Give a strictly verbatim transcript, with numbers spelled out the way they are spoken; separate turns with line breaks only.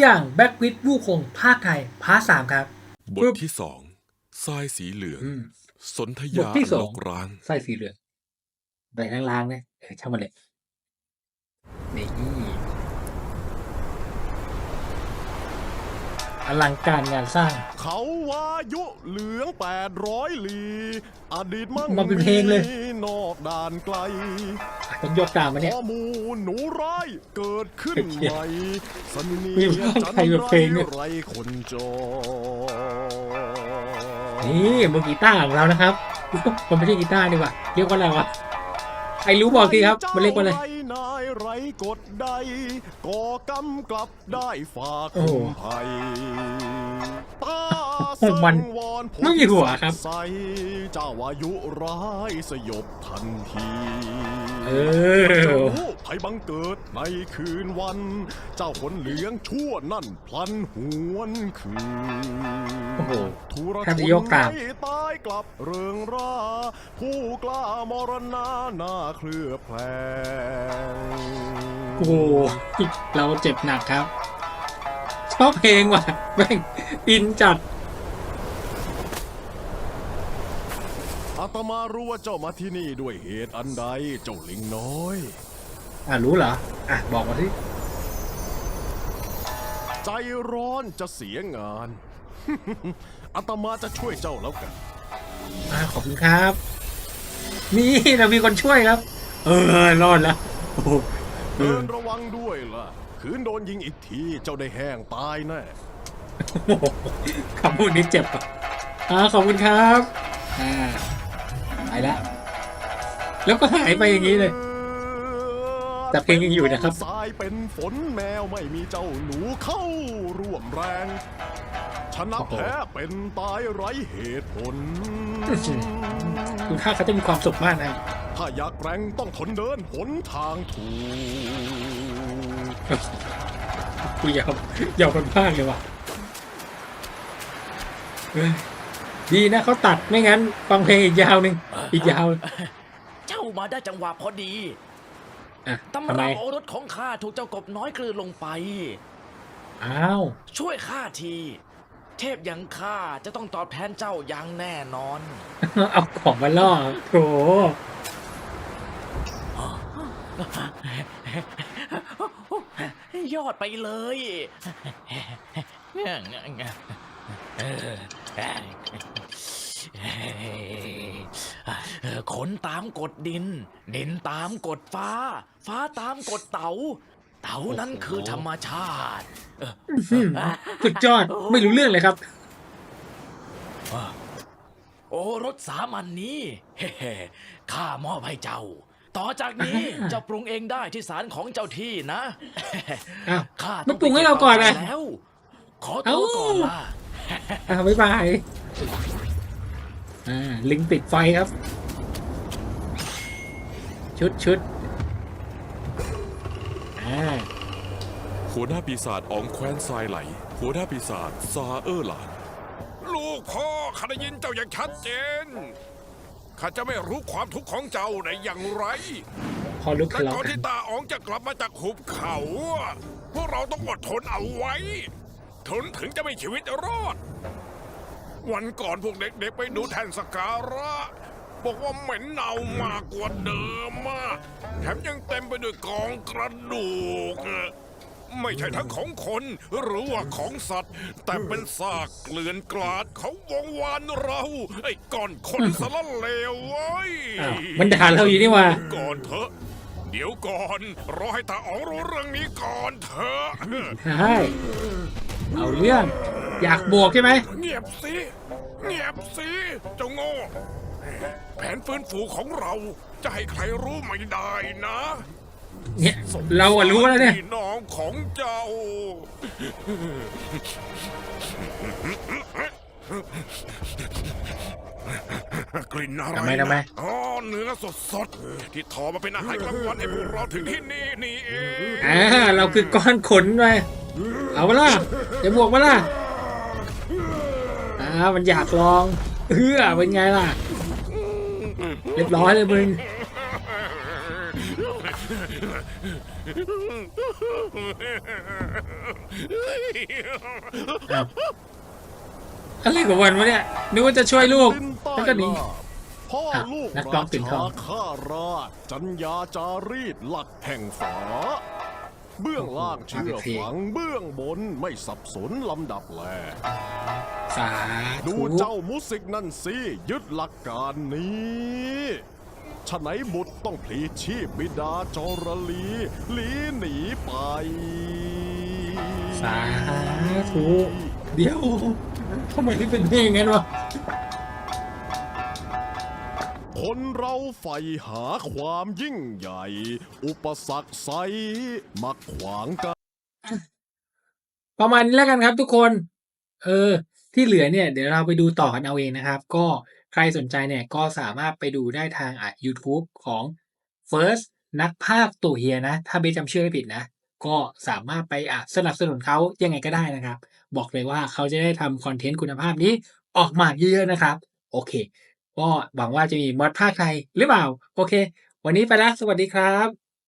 อย่างแบ็กวิดวู่คงภาคไทยพาร์ทสามครับ
บทที่สองทรายสีเหลืองสนธ
บ
ยา
ทที่สอ
ล
ง
กร้าง
ไส้สีเหลืองใบล้างๆเนี่ยเออช่างมันเลยนี่อลังการงานสร้าง
เขาวายุเหลืองแปดร้อยลีอดีตมั่ง
มาเป็นเพลงเลย
นอกด่านไกล
ต้องยกตามมาเนี่ย
ข้อมูลหนูร้ายเกิดขึ้นใหม่สนเนี
มี
ย
ภาค
จัน
ไทยแบบเพลงเนี่ย
ไรคนจอ
นี่มือกีตาร์ของเรานะครับ มันไม่ใช่กีตาร์ดีกว่าเรียกว่าอะไรวะใครรู้บอกทีครับมันเรียกว่าอะไร
จ้นายไรกดใดก่อกำกลับได้ฝาก
โอ้
คุ
โห
มภัยตา
โอ้มัน
สังวรผล
ไม่มีหัวครับ
ใสเจ้าวายุร้ายสยบทันที
เอ
เจ้า
อ
รู้ภัยบังเกิดในคืนวัน เจ้าขนเหลืองชั่วนั่นพลันหวนคืน
โอ้โห
ทุร
แทบ
ช
จะ
น
ยกตาม
ไม่ตายกลับเริงร่า ผู้กล้ามรณาหน้าเคลือบแผลง
โอ้โหเราเจ็บหนักครับ ชอบเพลงว่ะแม่งอินจัด
อาตมารู้ว่าเจ้ามาที่นี่ด้วยเหตุอันใดเจ้าลิงน้อย
อ่ะรู้เหรอ อ่ะ บอกมาสิ
ใจร้อนจะเสียงาน อาตมาจะช่วยเจ้าแล้วกัน
อ่ะขอบคุณครับ นี่เรามีคนช่วยครับ เออ รอดแล้วโอ้โหเอ
เดิ
อน
ระวังด้วยล่ะ คืนโดนยิงอีกทีเจ้าได้แห้งตายแน่
โอ้โหคำพูดนี้เจ็บอ่ะอ่าขอบคุณครับ อ่าไปแล้ว แล้วก็หายไปอย่างนี้เลย แต่เพลงยังอยู่นะครับ
ทรายเป็นฝนแมวไม่มีเจ้าหนูเข้าร่วมแรง ชนะ
โอ้โห
แพ้เป็นตายไร้เหตุผล
คุณค่าเขาจะมีความสุขมากนะ
ถ้าอยากแกร่งต้องทนเดินหนทางถูก
กูยอมยอมกันมากเลยว่ะเฮ้ยดีนะเขาตัดไม่งั้น ฟังเพลงอีกยาวหนึ่งอีกยาว
เจ้ามาได้จังหวะพอดี
อ่ะ
ตำ
ทำไม
ราโอรสของข้าถูกเจ้ากบน้อยกลืนลงไป
อ้าว
ช่วยข้าที เทพอย่างข้าจะต้องตอบแทนเจ้าอย่างแน่นอน
เอาของมาล่อโถ
ยอดไปเลยขนตามกฎดิน ดินตามกฎฟ้า ฟ้าตามกฎเต๋า เต๋านั้นคือธรรมชาติ
สุดยอดไม่รู้เรื่องเลยครับ
โอรสสามัญนนี้ เฮ้ๆข้ามอบให้เจ้า ต่อจากนี้
อ่า
เจ้าปรุงเองได้ที่ศาลของเจ้าที่นะ
อ้าว
ข้า
มันปรุงให้เราก่อนนะ
ไปแล้ว ขอตัวก่อนล่ะ
อ่าบ๊ายบายอ่าลิงติดไฟครับ ชุดชุดอ่า
หัวหน้าปีศาจอองแคว้นทรายไหล หัวหน้าปีศาจซาเออร์หลาน
ลูกพ่อข้าได้ยินเจ้าอย่างชัดเจน ข้าจะไม่รู้ความทุกข์ของเจ้าได้อย่างไร
พอลุก
แต่
ทะเลาะ
ก่อน
กัน
ที่ตาอ๋องจะกลับมาจากหุบเขาอะพวกเราต้องอดทนเอาไว้ ทนถึงจะไม่ชีวิตรอด วันก่อนพวกเด็กๆไปดูแทนสการะ บอกว่าเหม็นเน่ามากกว่าเดิมมาก แถมยังเต็มไปด้วยกองกระดูกอะไม่ใช่ทั้งของคนหรือว่าของสัตว์ แต่เป็นซากเกลื่อนกลาดเขาวงวานเรา ไอ้ก่อนคนสารเลวเว้ย
อ้าวมันด่าเราอยู่นี่ว่า
ก่อนเถอะ เดี๋ยวก่อน รอให้ตาอ๋องรู้เรื่องนี้ก่อนเถอะ
ใช่เอาเรื่อง อยากบวกใช่ไหม
เงียบสิ เงียบสิ เจ้าโง่ แผนฟื้นฟูของเราจะให้ใครรู้ไม่ได้นะ
เนี่ยเราอะรู้แล้วเนี่ย
พี่น้องของเจ้า กลิ่นอะไร
ทำไมทำไม
นะอ๋อเนื้อสดสดๆที่ทอมาเป็นอาหารกลางวันให้พวกเราถึงที่นี่นี่เอง
อ่าเราคือก้อนขนไปเอามาล่ะจะบวกมาล่ะอ่ามันอยากลองเฮือเป็นไงล่ะ เรียบร้อยเลยมึงอ้าวอะไรกับวันวะเนี่ยนึกว่าจะช่วยลูก
ดินใต้
แล้วก็หนี
ล่าพ่อ
อ่ะ
ลูก
นักร้อ
ราง
ปิ่นท
ชา
อง
ข้าราชจัญญาจารีตหลักแห่งฝา เบื้องล่างเชื่อฝังเบื้องบนไม่สับสนลำดับแล
สา
ดู
ธุ
เจ้ามุสิกนั่นสิยึดหลักการนี้ฉะไหนบุตรต้องพลีชีพบิดาจรลีหลีหนีไป
สาธุเดี๋ยวทำไมที่เป็นเพลงงั้นวะ
คนเราใฝ่หาความยิ่งใหญ่ อุปสรรคไซมักขวางกัน
ประมาณนี้แล้วกันครับทุกคน เออ ที่เหลือเนี่ย เดี๋ยวเราไปดูต่อกันเอาเองนะครับ ก็ใครสนใจเนี่ยก็สามารถไปดูได้ทางอ่ะ YouTube ของ First นักภาคตัวเฮียนะ ถ้าเบสจำชื่อไม่ผิดนะ ก็สามารถไปอ่ะสนับสนุนเขายังไงก็ได้นะครับ บอกเลยว่าเขาจะได้ทำคอนเทนต์คุณภาพนี้ออกมาเยอะๆนะครับ โอเค ก็หวังว่าจะมีมอดภาคไทยหรือเปล่า โอเค วันนี้ไปแล้ว สวัสดีครับ